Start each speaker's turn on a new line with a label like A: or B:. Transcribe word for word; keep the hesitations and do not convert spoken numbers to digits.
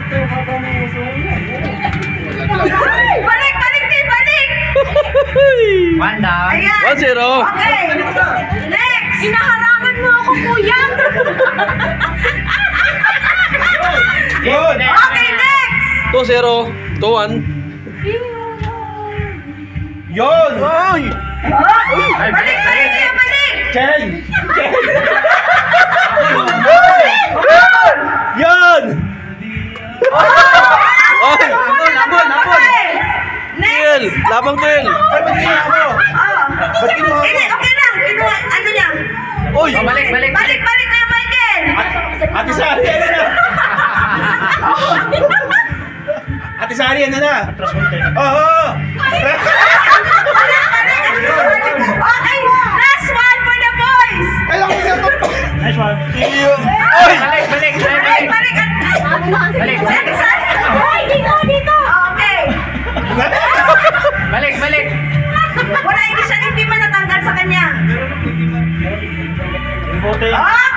A: Balik, balik, Tay, balik!
B: One down.
A: Ayan.
C: one zero.
A: Okay. Next. Inaharangan mo ako, kuya.
B: Yun.
A: Okay, next.
C: two zero. two one.
B: Yun.
C: Ay!
A: Balik, balik, Tay, balik.
B: Chen.
C: Yan! Ay!
B: Napon, napon, napon.
C: Kel!
A: Next.
C: Labang Kel!
B: Ay, ba't kinuha mo?
A: Oh.
B: Ba't kinuha mo?
A: Hindi, okay lang. Kinuha, ano niya?
C: Uy!
B: Oh, balik, balik.
A: Balik, balik kayo, Michael.
B: Ate Sari, ano na? Ate Sari, ano na? Oo.
A: Balik, balik. Okay, last one for the boys.
B: Kailan ko siya to? Nice one.
C: Iyo! Ay!
B: Balik, balik,
A: Balik, balik.
B: Balik.
A: Sige, saan? Ay, dito, dito. Okay.
B: Balik, balik.
A: Wala, hindi siya, hindi man natanggal sa kanya.
B: Bote.
A: Okay.